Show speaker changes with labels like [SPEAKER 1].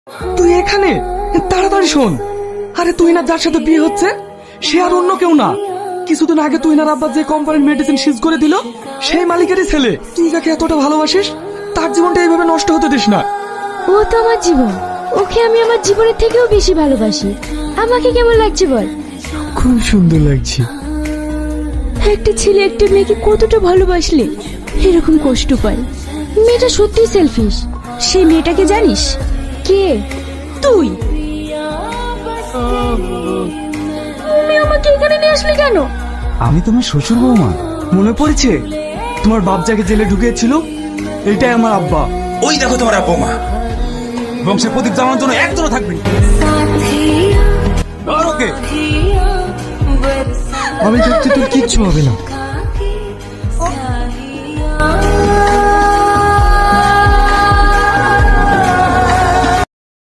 [SPEAKER 1] তুই এখানে? তাড়াতাড়ি শোন। আরে তুই না যার সাথে বিয়ে হচ্ছে সে আর অন্য কেউ না, কিছুদিন আগে তুই না আব্বা যে কোম্পানির মেডিসিন সিজ করে দিল সেই মালিকেরই ছেলে। তুই যাকে এতটা ভালোবাসিস তার জীবনটা এইভাবে নষ্ট হতে দিস না।
[SPEAKER 2] ও তো আমার জীবন, ওকে আমি আমার জীবনের থেকেও বেশি ভালোবাসি। আমাকে কেমন লাগছে বল?
[SPEAKER 1] খুব সুন্দর লাগছে।
[SPEAKER 2] একটা ছেলে একটা মেয়েকে কতটা ভালোবাসলে এরকম কষ্ট পায়। মেয়েটা সত্যি সেলফিশ। সেই মেয়েটাকে জানিস? কে? তুই। তুমি আমাকে এখানে নিয়ে আসলে কেন?
[SPEAKER 1] আমি তোমার শ্বশুর বৌমা। মনে পড়েছে তোমার বাপ যাকে জেলে ঢুকিয়েছিল? এটাই আমার আব্বা।
[SPEAKER 3] ওই দেখো তোমার আব্বা মা। বংশের প্রদীপ জ্বালানোর জন্য একজনও থাকবে না।
[SPEAKER 1] আমি থাকতে তোর কিচ্ছু হবে না।